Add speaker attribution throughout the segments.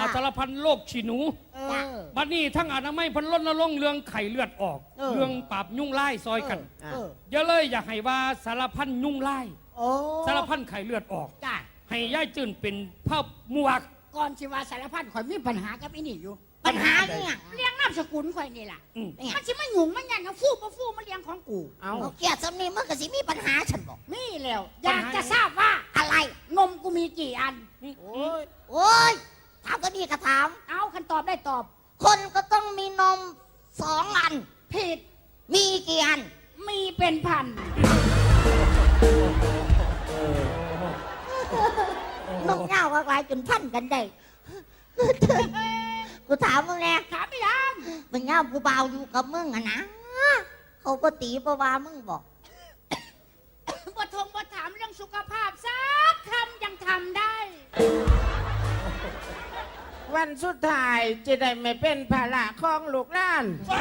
Speaker 1: สารพันโรคฉีหนูบัดนี้ทั้งอนามัยพันรณรงค์เรื่องไข้เลือดออกเรื่องปราบยุ่งไล่ซอยกันอย่าเลยอยากให้ว่าสารพันยุ่งไล่สารพันไข้เลือดออกให้ย่ายจื่นเป็นภาพมวก
Speaker 2: ก่อนสิว่าสารพันข่อยมีปัญหากับไอ้นี่อยู่
Speaker 3: ปัญหาเนี่ย
Speaker 2: เลี้ยงน้ำสกุลข่อยนี่ล่ะมันสิมาหยุ่งมันยันเอาฟูมาเลี้ยงของกู
Speaker 3: เอาเกียรติสำนีมันก็สิมีปัญหาฉันบอก
Speaker 2: มีแล้วอยากจะทราบว่า
Speaker 3: อะไร
Speaker 2: นมกูมีกี่อัน
Speaker 3: โอ้ยถามก็ดีก็ถาม
Speaker 2: เอาคันตอบได้ตอบ
Speaker 3: คนก็ต้องมีนม2 อัน
Speaker 2: ผิด
Speaker 3: มีกี่อัน
Speaker 2: มีเป็นพัน
Speaker 3: นมเงาก็กลายจนพันกันได้กูถามมึงแน่
Speaker 2: ถามไม่ยัง
Speaker 3: มึงเงากูเบาอยู่กับมึงอะนะเขาก็ตีปะวามึงบอก
Speaker 2: บ่ถามเรื่องสุขภาพสักคำยังทำได้
Speaker 4: วันสุดท้ายจะได้ไม่เป็นภาระของลูกหลาน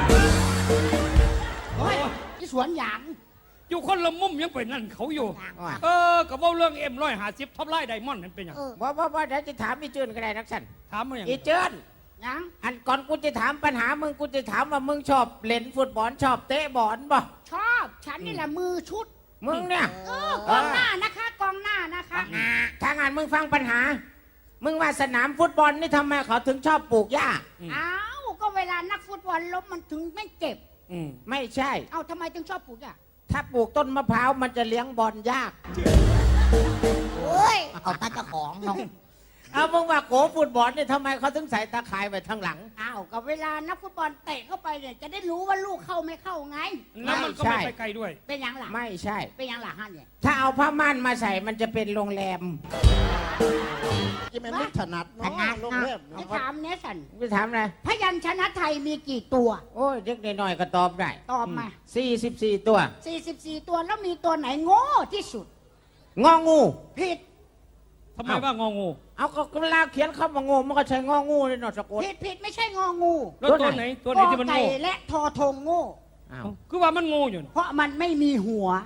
Speaker 2: ที่สวนหยาง
Speaker 1: อยู่คนละมุมยังเป็นนั่นเขาอยู่กับว่าเรื่องM150ท็อปไลน์ไดมอนด์นั่นเป็นยัง
Speaker 4: ว่าเดี๋ยวจะถามอีเจินก็ได้นักสัน
Speaker 1: ถามมาอย่าง
Speaker 4: อีเจิน
Speaker 2: ยัง
Speaker 4: อันก่อนกูจะถามปัญหามึงกูจะถามว่ามึงชอบเล่นฟุตบอลชอบเตะบอลบ่
Speaker 2: ชอบฉันนี่แหละมือชุด
Speaker 4: มึงเนี่ย
Speaker 2: กองหน้านะคะกองหน้านะคะ
Speaker 4: ถ้างานมึงฟังปัญหามึงว่าสนามฟุตบอลนี่ทำไมเขาถึงชอบปลูกหญ้า
Speaker 2: อ้าวก็เวลานักฟุตบอลล้มมันถึงไม่เจ็บ
Speaker 4: ไม่ใช่
Speaker 2: เอาทำไมถึงชอบปลูกหญ้า
Speaker 4: ถ้าปลูกต้นมะพร้าวมันจะเลี้ยงบอลยาก
Speaker 3: โอ้ยเอาตาเจ้าของน้อง
Speaker 4: เอามึงว่าโกฟุตบอลเนี่ยทำไมเขาถึงใส่ตาข่ายไว้ทางหลัง
Speaker 2: อ้าวก็เวลานักฟุตบอลเตะเข้าไปเนี่ยจะได้รู้ว่าลูกเข้าไม่เข้าไง
Speaker 1: แล้วมันก็ไม่ไปไกลด้วย
Speaker 2: เป็นยังหลัง
Speaker 4: ไม่ใช่
Speaker 2: เป็นยังหลังฮะเนี่ย
Speaker 4: ถ้าเอาผ้าม่านมาใส่มันจะเป็นโรงแรม
Speaker 5: ที่มันไม่ถนัดน้องโรงแรม
Speaker 2: จะถามเนสัน
Speaker 4: จะถามอะไร
Speaker 2: พยัญชนะไทยมีกี่ตัว
Speaker 4: โอ้ยเด็กหน่อยก็ตอบได้
Speaker 2: ตอบมา
Speaker 4: 44 ตัว
Speaker 2: 44ตัวแล้วมีตัวไหนโง่ที่สุด
Speaker 4: งองู
Speaker 2: ผิด
Speaker 1: ทำไมว่างองู
Speaker 4: เอาก็เวลาเขียนคำว่างูมันก็ใช้งองูเลยเนาะสะกด
Speaker 2: ผิดไม่ใช่งองู
Speaker 1: แล้วตัวไหนที่มันโง่
Speaker 2: และทอทงโง่
Speaker 1: คือว่ามันโง่อยู่
Speaker 2: เพราะมันไม่มีหัว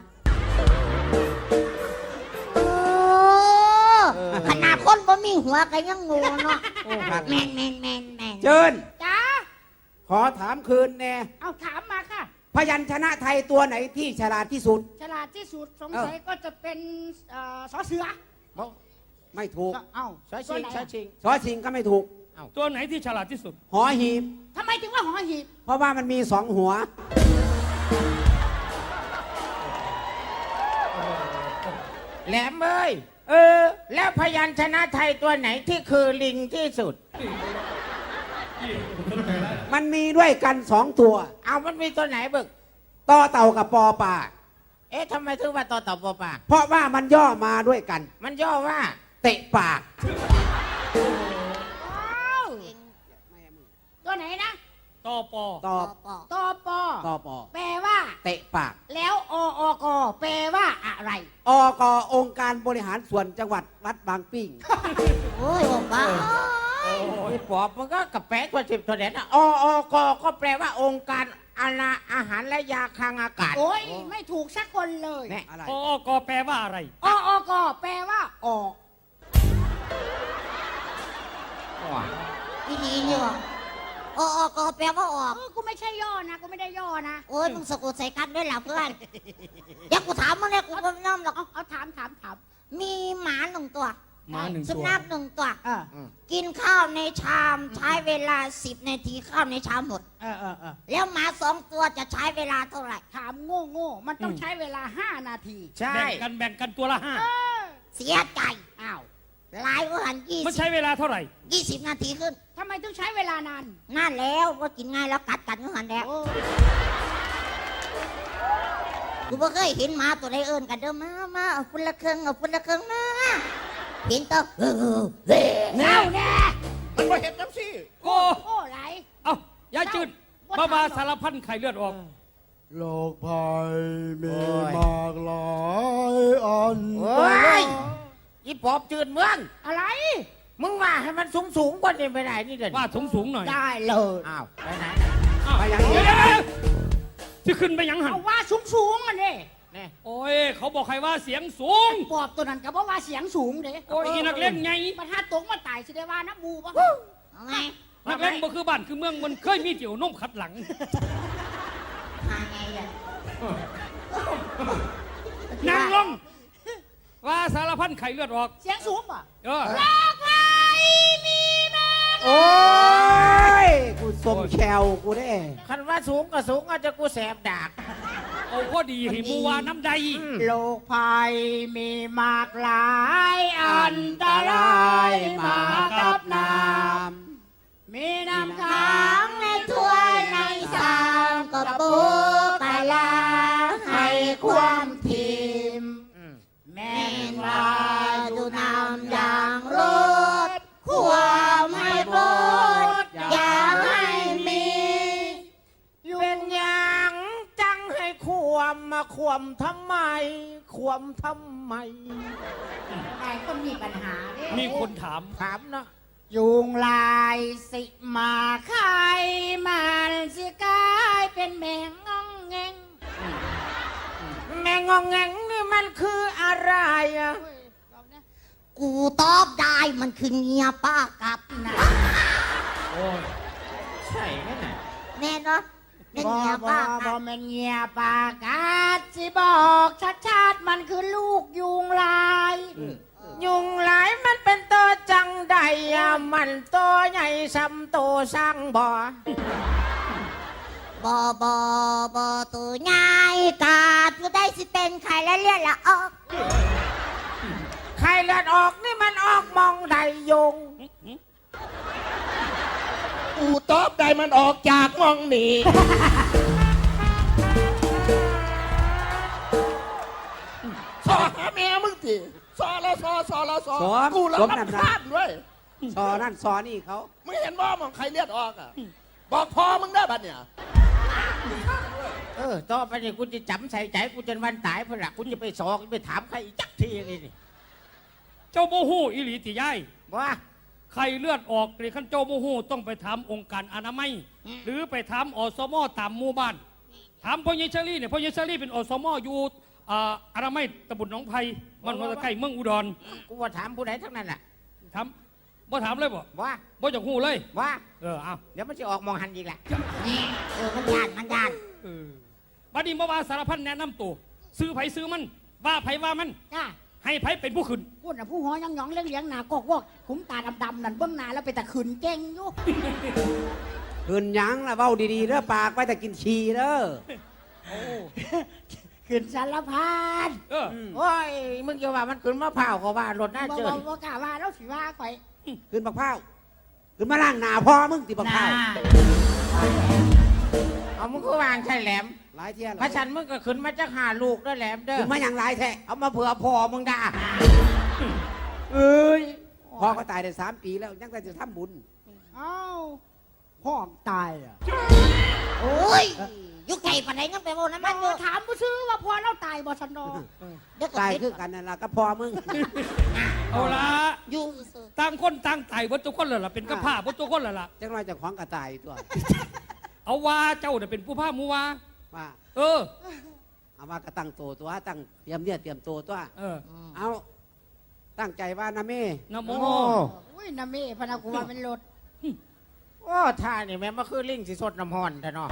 Speaker 3: ขนาดคนบ่มีหัวก็ยังงูเนาะแมน
Speaker 4: เจิญ
Speaker 2: จ้า
Speaker 4: ขอถามคืนแน่
Speaker 2: เอาถามมาค่ะ
Speaker 4: พยัญชนะไทยตัวไหนที่ฉลาดที่สุด
Speaker 2: ฉลาดที่สุดสงสัยก็จะเป็นสอเสือ
Speaker 4: ไม่ถูก
Speaker 2: เอ้า
Speaker 4: สอชิงก็ไม่ถูก
Speaker 1: ตัวไหนที่ฉลาดที่สุด
Speaker 4: หอหีบ
Speaker 2: ทำไมถึงว่าหอหีบ
Speaker 4: เพราะว่ามันมี2 หัวแหลมเอ้ยแล้วพยัญชนะไทยตัวไหนที่คือลิงที่สุดมันมีด้วยกัน2 ตัวเอามันมีตัวไหนบึกต่อเต่ากับปอปลาทำไมถึงว่าต่อเต่าปอปลาเพราะว่ามันย่อมาด้วยกันมันย่อว่าเตะปาก
Speaker 2: ตัวไหนนะ
Speaker 1: ตอปอ
Speaker 2: แปลว่า
Speaker 4: เตะปาก
Speaker 2: แล้วอกแปลว่าอะไร
Speaker 4: อกองค์การบริหารส่วนจังหวัดวัดบางปิ้ง
Speaker 3: โอ้ยบ้า
Speaker 4: ไอ้ปอบมันก็กับแปะตัว10 ตัวเด่นอกก็แปลว่าองค์การอาหารและยาคลังอากาศ
Speaker 2: โอ้ยไม่ถูกสักคนเลย
Speaker 1: อกแปลว่าอะไร
Speaker 2: อกแปลว่าออก
Speaker 3: อีนี่นี่วะอกแปลว่าออก
Speaker 2: กูไม่ใช่ย่อนะกูไม่ได้ย่อนะ
Speaker 3: โอ้ยมึงสะกดใส่กันด้วยหล่ะเพื่อนเดี๋ยวกูถามมึงเลยกูก็ไม่น้อมหรอก
Speaker 2: เอาถาม
Speaker 3: มีหมา1 ตัวสุนัข1 ตัวกินข้าวในชามใช้เวลา10 นาทีข้าวในชามหมดแล้วหมา2 ตัวจะใช้เวลาเท่าไหร่
Speaker 2: ถามโง่มันต้องใช้เวลา5 นาที
Speaker 1: ใช่แบ่งกันตัวละ5
Speaker 3: เสียใจอ้าวหลายกว่าหัน20
Speaker 1: มันใช้เวลาเท่าไหร่
Speaker 3: 20 นาทีขึ้น
Speaker 2: ทำไมต้องใช้เวลานาน
Speaker 3: แล้วว่ากินง่ายแล้วกัดก็หันแล้วกูไม่เคยเห็นหมาตัวใดเอิญกันเด้อมาเอาฝุ่นละเครื่องมาเห็นตัว
Speaker 2: แน่
Speaker 5: มันไม่เห็นจังสิ
Speaker 2: โอ้ไหล
Speaker 1: ยายจืดบ้าสารพันไข้เลือดออก
Speaker 5: โรคภัยมีมากหลายอัน
Speaker 4: อีปอบจืดเมือง
Speaker 2: อะไร
Speaker 4: มึงว่าให้มันสูงกว่านี้ไปไหนนี่เด่น
Speaker 1: ว่าสูงหน่อย
Speaker 2: ได้เลย
Speaker 4: อ้าวไปไหน
Speaker 1: ไปยังจะขึ้นไปยังหัน
Speaker 2: เอาว่าสูงมันนี่
Speaker 1: โอ้ยเขาบอกใครว่าเสียงสูง
Speaker 2: ปอบตัวนั้นก็บอกว่าเสียงสูงเด้
Speaker 1: โอ้ยนักเล่นไง
Speaker 2: ประทัดตกมาตายสิได้ว่าน้ำมูปะ
Speaker 3: เอาไง
Speaker 1: นักเลงบ่คือบ้านคือเมืองมันเคยมีเจียวนมขัดหลัง
Speaker 3: หาไงล่ะ
Speaker 1: นั่งลงว่าสารพันไข่เลือดออก
Speaker 2: เสียงสูงป่ะ
Speaker 1: เออ
Speaker 2: ลากไว้มีมา
Speaker 4: โอ้ย กูสมแชวกูได้
Speaker 6: คันว่าสูงก็สูงอาจจะกูแสบดาก
Speaker 1: เอาพอดีให้มูวาน้ำใด
Speaker 2: โลกภัยมีมากหลายอันตรายมากับน้ำมีน้ำค้า
Speaker 3: ทาง งในถ้วยในชามก็ปูปลาร้าให้ความทิม
Speaker 2: แม่
Speaker 3: แม่
Speaker 2: น
Speaker 3: น
Speaker 2: ว่า
Speaker 3: ว่าดูน้ำอย่างรดความให้บดอย่าให้มี
Speaker 6: เป็นอย่างจังให้ความมาความทำไม ความทำไม
Speaker 2: นายก็มีปัญหาเด้
Speaker 1: มีคนถาม
Speaker 6: ถามเนาะ
Speaker 2: ยุงลายสิมาไข่มันสิกลายเป็นแมงงองแงง
Speaker 6: แม่งองแงงนี่มันคืออะไรอะ
Speaker 3: กูตอบได้มันคือเงียป้ากับนะ
Speaker 1: โอ้ย
Speaker 6: ใช่ไหมน่ะ
Speaker 3: แน่เนาะเป็น
Speaker 2: บ่
Speaker 3: เงีย
Speaker 2: บ่
Speaker 3: ป้า
Speaker 2: บ่
Speaker 3: กับ
Speaker 2: แม่นเงียปากกาดสิบอกชัดๆมันคือลูกยุงลาย
Speaker 6: ยุงหลายมันเป็นตัวจังใดอะมันตัวใหญ่ซ้ำตัวสร้างบ่อ
Speaker 3: บอตัวง่ายกาดผู้ได้สิเป็นใครและเลือดละออก
Speaker 6: ใครเลือดออกนี่มันออกมองใดยุง
Speaker 5: กูตอบได้มันออกจากมองนี่ ซอหาแม่มึงทีซอแล้วซอแล้วซอ
Speaker 4: สอน
Speaker 5: กูแล้ว
Speaker 4: สม
Speaker 5: รับ
Speaker 4: น้ำหนัก
Speaker 5: พลาดด้วย
Speaker 4: ซอนั่นซอนี่เขา
Speaker 5: ไม่เห็นว่ามองใครเลือดออกอ่ะ บอกพอมึงได้บัดเนี่ย
Speaker 6: ต่อไปนี่กูจะจำใส่ใจกูจนวันตายเพื่อนละกูจะไปสอกไปถามใครอีกจักทีนี่นี่
Speaker 1: เจ้าโมหูอิหลีติยาย
Speaker 6: ว่า
Speaker 1: ไข่เลือดออกหรือขั้นเจ้าโมหูต้องไปถามองค์การอนามัย หรือไปถามอสมตามหมู่บ้าน ถามพ่อเยชลี่เนี่ยพ่อเยชลี่เป็นอสมอยู่อนามัยตำบลหนองไผ่มันมาใกล้เมืองอุดร
Speaker 6: กูว่าถามผู้ใดทั้งนั้นแหละ
Speaker 1: ถามบ่ถามเลยบ่
Speaker 6: ว่า
Speaker 1: บ่จากหูเลย
Speaker 6: ว่า
Speaker 1: เอา
Speaker 6: เดี๋ยวมันจะออกมองหันอีกแหละ
Speaker 3: นี่มันยาน
Speaker 1: บัดนี้มาว่าสารพันแนะนำตัวซื้อไผซื้อมันว่าไผว่ามัน
Speaker 2: จ้า
Speaker 1: ให้ไผเป็นผู้ขึ้น
Speaker 2: พูดน่ะผู้หัวหยองๆเลี้ยงๆหนากอกวอกขุมตาดำๆนั่นเบื้องหน้าแล้วไปแต่ขืนเก่งอยู่
Speaker 4: คืนหยังละเว้าดีๆเด้อปากไว้แต่กินชีเด้อ
Speaker 2: ขืนสารพัด
Speaker 6: โอ้ยมึงจะว่ามันขึ้นมะพร้าวก็ว่ารถหน้า
Speaker 2: บ่
Speaker 6: เจอ
Speaker 2: บ่กล้าว่าแล้วสิว่าข่อย
Speaker 4: คืนบักเผาคืนมาล่างหนาพ่อมึงติบักเผา
Speaker 6: เอามึงก็วางใช่แหลม
Speaker 4: หลายเที่ยหลา
Speaker 6: พระฉันมึงก็ขึ้นมาจากหาลูกด้วยแหลมเด้อ
Speaker 4: คืนมาอย่างหลายแท้
Speaker 6: เอามาเผื่อพอมึงด่า
Speaker 4: เอ้ยพ่อก็ตายได้3 ปีแล้วยังแต่จะทำบุญ
Speaker 2: เอ้าพ่อตายอ่ะ
Speaker 3: โอ้ยยุคไก่ปานไหนงั้นไปโมน้ำมันอยู่
Speaker 2: ถามผู้ซื้อว่าพ่อเราตายบ่ชันดอ
Speaker 3: เดี๋ยวก็
Speaker 4: ตาย
Speaker 3: คิด
Speaker 4: คือกันนั่นล่ะก็พ่อมึง
Speaker 1: เอาละ
Speaker 3: อยู่ซื่อ
Speaker 1: ต่างคนต่างตายวัตถุคนเลยล่ะเป็นกระพ้าวัตถุคนเลยล่ะ
Speaker 4: จังไรจะของกระตายตัว
Speaker 1: เอาว่าเจ้าเนี่ยเป็นผู้ผ้ามูว่า
Speaker 4: ว่า
Speaker 1: เออ
Speaker 4: เอามากระตั้งตัวตัวตั้งเตรียมเนี่ยเตรียมตัวตัว
Speaker 1: เออ
Speaker 4: เอาตั้งใจว่านะแม่
Speaker 1: นะโม
Speaker 6: โอ้
Speaker 2: อุ้ยน้าเม่พนากูว่าเป็นรถ
Speaker 6: โอ้ท่านี่แม่มาคือลิงสิสดน้ำห่อนแต่เนาะ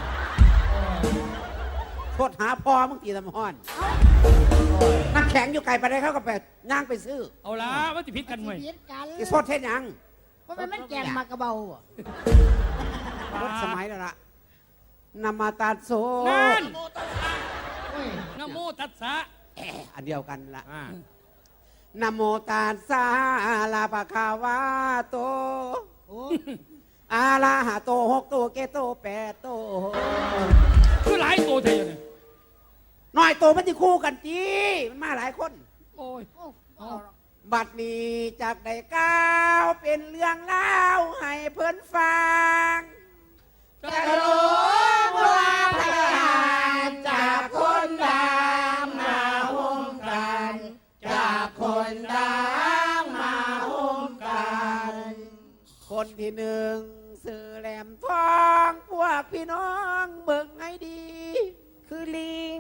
Speaker 4: โทษหาพ่อมึงตีลำห้อนน้ำแข็งอยู่ไกลไปได้เขาก็ไปย่างไปซื้อ
Speaker 1: เอาละว่าจะพิษกันไหม
Speaker 2: ชีวิตกัน
Speaker 4: ที่โทษเทศยัง
Speaker 2: เพราะมันแกงมากระเบาอ่ะ
Speaker 4: รถสมัยแล้วล่ะนามาตาโซ
Speaker 1: นั่น
Speaker 2: อุ้ย
Speaker 1: นะโมตัสสะ
Speaker 4: อันเดียวกันละ
Speaker 6: อ่า
Speaker 4: นะโมตัสสะลาปะคาวาโต
Speaker 2: โอ้
Speaker 4: อาลาหะโต6 โตเกโต8 โต
Speaker 1: คือหลายตัวเท่เนี่ย
Speaker 4: น้อยโตมันจะคู่กันจีมันมาหลายคน
Speaker 1: โอ้ย
Speaker 2: โอ้เอา
Speaker 4: บัดนี้จากได้ก้าวเป็นเรื่องเล่าวให้เพื่อนฟัง
Speaker 1: จะ
Speaker 4: จะรู้ว่าพยานจากคนดังมาห่มกัน จากคนดังมาห่มกัน คนที่หนึ่งสื่อแหลมทองพวกพี่น้องเบิ่งให้ดี คือลิง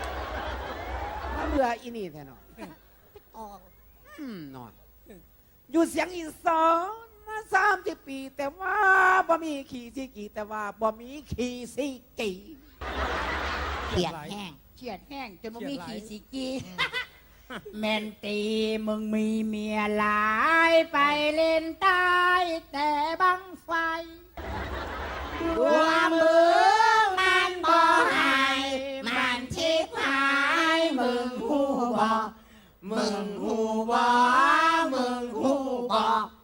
Speaker 4: มาเบื่ออีนี่แท้หนอ
Speaker 3: ออก
Speaker 4: หนอน
Speaker 6: อยู่เสียงอีสานมา30 ปี แต่ว่าบ่มีขี่ซีกี่แต่ว่าบ่มีขี่ซีกี่
Speaker 3: เขียดแห้ง
Speaker 2: เฉียดแห้งจนมันมีขี่สีกีแม่นตีมึงมีเมียหลายไปเล่นใต้แต่บังไฟ
Speaker 3: ตัวมึงมันบ่หายมันชิบหายมึงหูบ่มึงหูบ่มึงหูบ่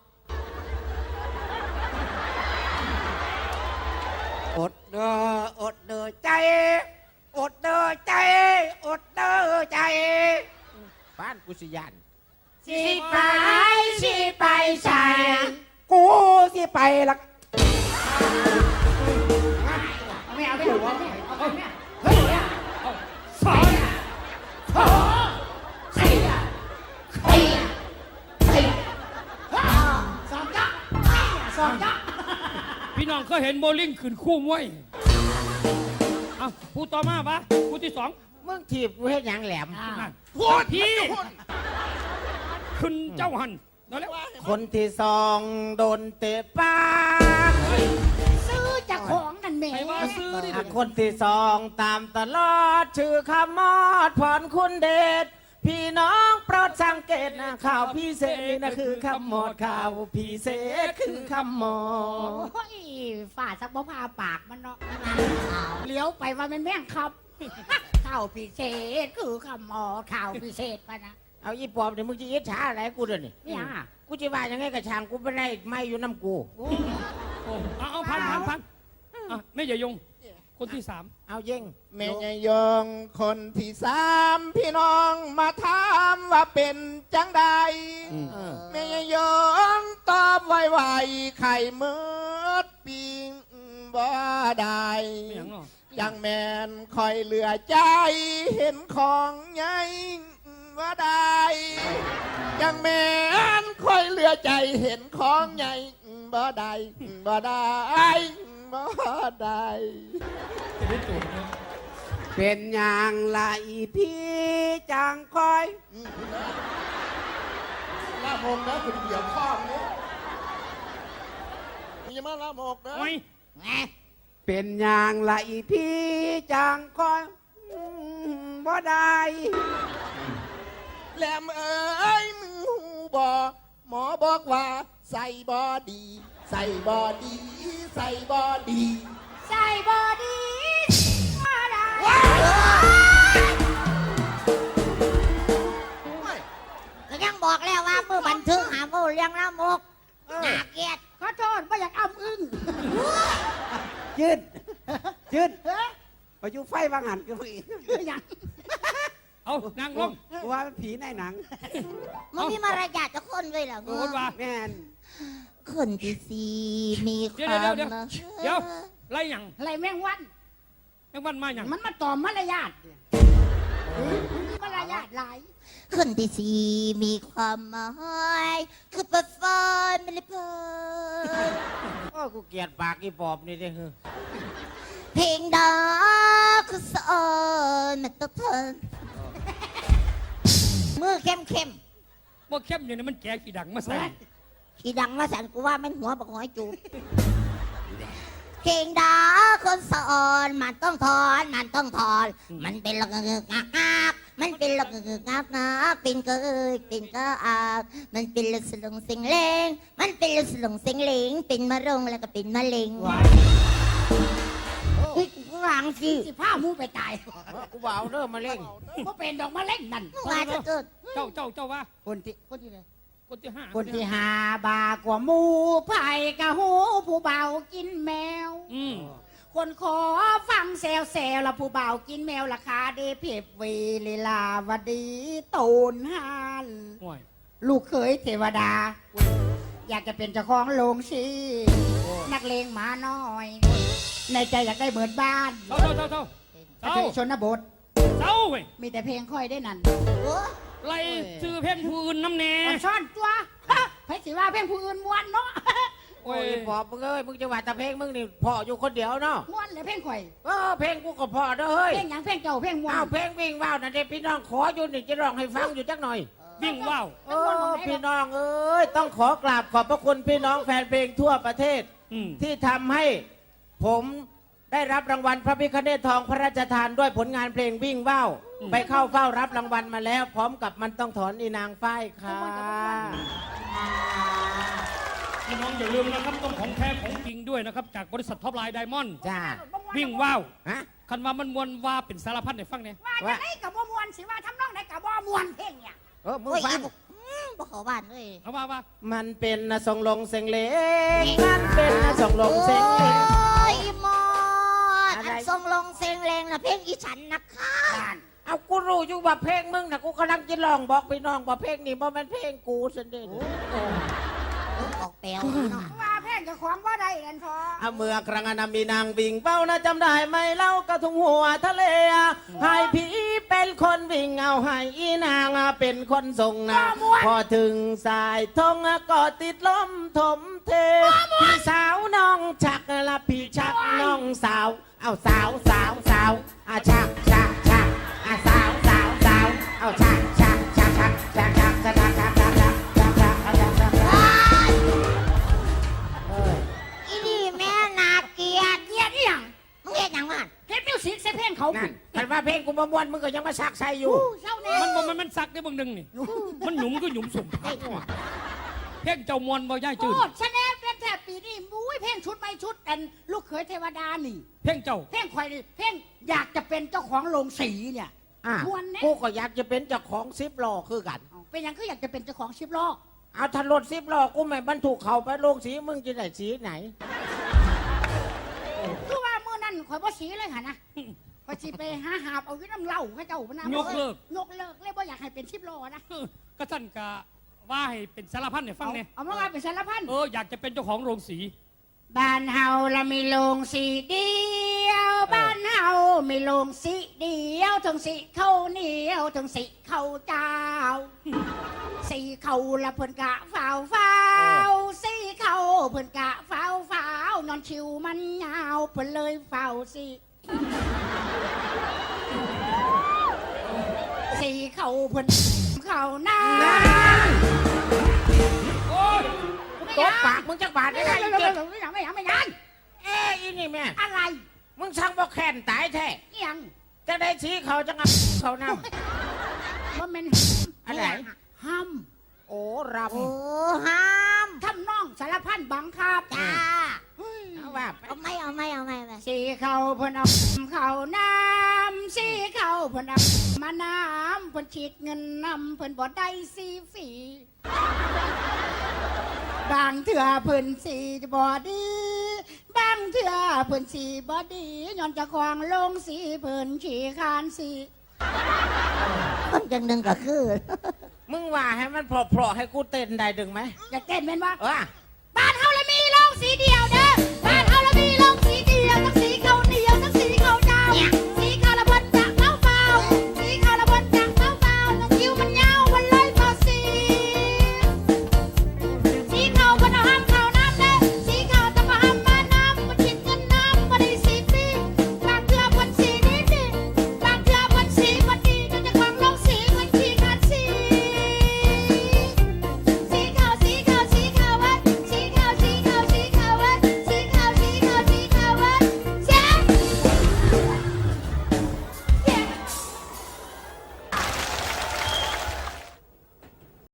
Speaker 6: อดเด้ออดเด้อใจอดเด้อใจอดเด้อใจบ้านกุศยาน
Speaker 3: สิไปสิไปใส่
Speaker 6: กูสิไปละ
Speaker 2: ไม่เอาไม่เอาไม่เอาไม่เอา
Speaker 1: เฮ้ยเอาสอน
Speaker 2: สองจ๊ะสองจ๊ะ
Speaker 1: พี่น้องเคยเห็นโบลิ่งขึ้นคู่มวยเอาผู้ต่อมาปะผู้ที่สอง
Speaker 6: มึงถีบกูเฮ็ดหยังแหลม
Speaker 1: นั่นพี่ขึ้นเจ้าหันนั่นแหละ
Speaker 6: คนที่สองโดนเตะปาก
Speaker 2: ซื้อจากของนั่นแหม่
Speaker 1: ใครว่าซื้อดิ
Speaker 6: คนที่สองตามตลอดชื่อคำมอดพรคุณเดชพี่น้องโปรดสังเกตนะข่าวพิเศษนี่นะคือคำมอดข่าวพิเศษคือคำมอด
Speaker 2: โอ้ยฝ่าสักบ่พาปากมันเนาะเลี้ยวไปว่ามันแม่งครับข้าวพิเศษคือคำหมอข้าวพิเศษปะนะ
Speaker 6: เอาอีปอบเดี๋ยวมึงจะอิจฉาอะไรกูเดี๋ยวนี้
Speaker 2: เนี่ย
Speaker 6: กูจะว่ายังไงกับช่างกูไม่ได้ไม่อยู่น้ำกู
Speaker 1: เอาพันอ่ะไม่อย่ายง คนที่สาม
Speaker 6: เอาเย่ง
Speaker 4: แม่ยายงคนที่สามพี่น้องมาถามว่าเป็นจังใดแม่ยายงตอบไวๆไข่มืดปิงบ่ได้
Speaker 1: ไม่อย่างเนาะ
Speaker 4: ยังแมนคอยเหลือใจเห็นของใหญ่ว่าได้ยังแมนคอยเหลือใจเห็นของใหญ่บ่ได้บ่ได้บ่ได้
Speaker 6: เป็นอย่างไรพี่จังคอย
Speaker 4: ละมงนะคุณเดี่ยวข้องเนี่ยมีมาละมกนะ
Speaker 1: โอ้ย
Speaker 3: แหม
Speaker 6: เป็นอย่างไรพี่จังคอยบ่ได้
Speaker 4: แหลมเอ้ยมึงหูบอหมอบอกว่าใส่บอดี ใส่บอดี ใส่บอดี
Speaker 2: ใส่บอดี้มาได้
Speaker 3: ก็ยังบอกแล้วว่ามือบันทึกหาผู้เลี้ยงละมกน่าเกลียด
Speaker 2: ขอโทษไม่อยากอ้ำอึ้ง
Speaker 6: ยืดยืดไปอยู่ไฟบางหันก็มี
Speaker 2: อยาก
Speaker 1: เอานางลง
Speaker 6: กูว่ามันผีในหนัง
Speaker 3: มึงมีมารยาทจะคนด้วยเหรอ
Speaker 1: โดนว่า
Speaker 6: แม่น
Speaker 3: คนที่สี่มีค
Speaker 1: เดี๋ยว
Speaker 3: วาม
Speaker 1: เดี๋ยวไล่หยัง
Speaker 2: อะไรแม่งวัน
Speaker 1: แมงวันมาหยัง
Speaker 2: มันมาต่อมารยาทมีมารยาทหลาย
Speaker 3: คนที่สี่มีความหมายคือเปิดไฟไม่ได้เปิด
Speaker 6: โอ้กูเกลียดปากอีปอบนี่เด้อ
Speaker 3: เพลงดาคือสอนมันต้องเทินมือเข้มเข้ม
Speaker 1: บ่เข้มอย่างนี้มันแก่ขี้ดังมาใส่
Speaker 3: ขี่ดังมาสันกูว่ามันหัวบักหอยจูบเพลงดาคนสอนมันต้องถอนมันต้องถอน มันเป็นละงึกงักงักมันเป็นละงึกงักงักเป็นเกยเป็นกะอาบมันเป็นละสลงสิงเลงมันเป็นละสลงสิงเลงเป็นมะรงแล้วก็เป็นมะเร็งเฮ้ยกูวางสิ
Speaker 2: สิผ้ามูไปตาย
Speaker 6: กูบ่าวเด้อมาเล่ง
Speaker 2: ก็เป็นดอกมะเร็งนั่น
Speaker 3: มึงว่าจะเกิด
Speaker 1: เจ้าว่า
Speaker 2: คนที่ไหน
Speaker 1: คนที่ห้า
Speaker 2: คนที่หาบากว่าหมูไผ่กะหูผู้เบากินแมว คนขอฟังแซวแซวละผู้เบากินแมวราคาเดเพบวีลีลาวดีตูนฮาน
Speaker 1: ห่วย
Speaker 2: ลูกเขยเทวดา อยากจะเป็นเจ้าของโรงสีนักเลงหมาน้อย ในใจอยากได้เหมือนบ้าน
Speaker 1: เจ้า
Speaker 2: กระเทยชนบท
Speaker 1: เจ้าเว้ย
Speaker 2: มีแต่เพลงค่อยได้นั่น
Speaker 3: โอ้
Speaker 1: ไล่ซื้อเพลงผู้อื่นน้ำแน่
Speaker 2: อ่อนซ่อนตัวไผสิว่าเพลงผู้อื่นม้วนเนาะ
Speaker 1: โอ้
Speaker 6: โอ้
Speaker 1: ย
Speaker 6: ยปอบมึงเอ้ยมึงจะว่าแต่เพลงมึงนี่พ่ออยู่คนเดียวเนาะ
Speaker 2: ม้วนเลยเพลงข่อย
Speaker 6: เพลงกูก็พ่อเด้อเฮ้ย
Speaker 2: เพลงหยังเพลงเจ้าเพลงม้วน
Speaker 6: เอาเพลงวิ่งว่าวนั่นเด็พี่น้องขออยู่นี่จะร้องให้ฟังอยู่จักหน่อย
Speaker 2: เ
Speaker 1: วิ่งว่าว
Speaker 6: โอ้พี่น้องเอ้ยต้องขอกราบขอบพระคุณพี่น้องแฟนเพลงทั่วประเทศ
Speaker 1: อืม
Speaker 6: ที่ทำให้ผมได้รับรางวัลพระพิฆเนศทองพระราชทานด้วยผลงานเพลงวิ่งว่าวไปเข้าเฝ้ารับรางวัลมาแล้ว พร้อมกับมันต้องถอนอีนางฝ้ายค่ะ
Speaker 1: พี่น้องอย่าลืมนะครับต้องของแท้ของจริงด้วยนะครับจากบริษัทท็อปไลน์ไดมอนด์
Speaker 6: จ้า
Speaker 1: วิ่งว่าว
Speaker 6: ฮะ
Speaker 1: คันว่ามันมวนว่าเป็นสารพัดในฟังเนี่ย
Speaker 2: ว่าจะได้กับบ่มวนสิว่าทำนองได้กับบ่มวนเพลงเนี่ย
Speaker 6: มึง
Speaker 3: โอ้ย
Speaker 6: ฟัง
Speaker 3: บ่เขาบ้านเลย
Speaker 1: เอาว่า
Speaker 6: มันเป็นนะส่งลงเสียงเลงมันเป็นนะส่งลงเสียงเลง
Speaker 3: โอ้ยหมด
Speaker 6: อะไร
Speaker 3: อันทรงลงเซงเลงนะเพลงอีฉันนะคะ
Speaker 6: เอากูรู้อยู่ว่าเพลงมึงนะกูกำลังจะลองบอกพี่น้องว่าเพลงนี้มันเป็นเพลงกูสันเด็
Speaker 3: ออกแปลวเนาะ
Speaker 2: ว่าเพลงเจะของว่าได้กันพอ
Speaker 6: เอาเมื่อครั้งนั้นมีนางวิ่งเป้านะจำได้ไหมเล่ากระทุงหัวทะเลให้ผีเป็นคนวิ่งเอาให้อีนางเป็นคนส่งนะพอถึงสายทงก็ติดลมถมเทพี่สาวน้องชักละพี่ชักน้องสาวเอาสาวอาชักอาสาวเอาชัก
Speaker 3: อีนี่แม่นาเกลียด
Speaker 2: เงียบอีหยัง
Speaker 3: มึงเฮ็ดหยังมัน
Speaker 2: เฮ็ดมิวสิกใส่เพลงเขา
Speaker 6: นั่นคันว่าเพลงกูประมวลมึงก็ยังมาชักใส่อยู่
Speaker 2: เจ้าแน่
Speaker 1: มันซักได้บางหนึ่งนี่มันหยุมก็หยุมสุ่มเพ่งเจ้ามวนบ่ย่ายจืด
Speaker 2: โอ้ชะแนลเป็นแทบปีนี้มุ้ยเพลงชุดไม่ชุดอันลูกเขยเทวดานี่
Speaker 1: เพ่งเจ้า
Speaker 2: เพลงข่อยนี่เพลงอยากจะเป็นเจ้าของโรงสีเนี่ย
Speaker 6: อ่ะ
Speaker 2: มวนแน่
Speaker 6: กูก็อยากจะเป็นเจ้าของซิปล้อคือกัน
Speaker 2: เป็นหยังคืออยากจะเป็นเจ้าของชิปล้อ
Speaker 6: เอาถ้ารถซิปล้อกูไม่บรรทุกเขาไปโลงสีมึงจะได้สีไหน
Speaker 2: คือว่ามื้อนั้นข่อยบ่สีเลยหั่นนะข่อยสิไปหาบเอาอยู่น้ำเหล้าให้เจ้าพะนะ
Speaker 1: ยกเลิก
Speaker 2: ยกเลิกเลยบ่อยากให้เป็นชิปล้อนะ
Speaker 1: ก็ท่านกะว่าให้เป็นสารพัดเนี่ยฟังเนี่ย
Speaker 2: เอามาว่าเป็นสารพัน
Speaker 1: อยากจะเป็นเจ้าของโรงสี
Speaker 2: บ้านเฮาละมีโรงสีเดียวบ้านเฮามีโรงสีเดียวทั้งสีข้าวเหนียวทั้งสีข้าวเจ้าสีข้าวละเพิ่นกะฝ้าวสีข้าวเพิ่นกะฝ้าวนอนชิวมันยาวเพิ่นเลยฝ้าวสีข้าวเพิ่นข้าวหน้า
Speaker 1: โอ้ย
Speaker 6: ตบปากมึงจักบาทได้ไง
Speaker 2: ไม่
Speaker 6: เจ็บ
Speaker 2: ยัง
Speaker 6: เอ้ยอีนี่แม่
Speaker 2: อะไร
Speaker 6: มึงช่างบ่แค้นตายแท้
Speaker 2: ยัง
Speaker 6: จะได้สีเขาจังอ่ะเขาน
Speaker 2: ว่าเป็น
Speaker 6: อะไร
Speaker 2: ห้าม
Speaker 6: ำโอ้ร
Speaker 3: โอ้ห้าม
Speaker 2: ทำน้องสารพันบังคับ
Speaker 3: จ้า
Speaker 6: ำเอาว่าไป
Speaker 3: เอาไม่
Speaker 2: สีเขาเพิ่นเอาเขาน้ำสีเขาเพิ่นเอามาน้ำเพิ่นฉีดเงินนำเพิ่นบ่ได้สีฝีบางเถื่อเพิ่นสีบ่ดีบางเถื่อเพิ่นสีบ่ดีย้อนเจะควางลงสีเพิ่นขี้คานสี
Speaker 3: คนจังหนึ่งก็คือ
Speaker 6: มึงว่าให้มันเพราะๆให้กูเต้นได้ดึงไหม
Speaker 2: อยากเต้นเป็นว่า
Speaker 6: เออ
Speaker 2: บ้านเฮาเลยมีโรงสีเดียวเด้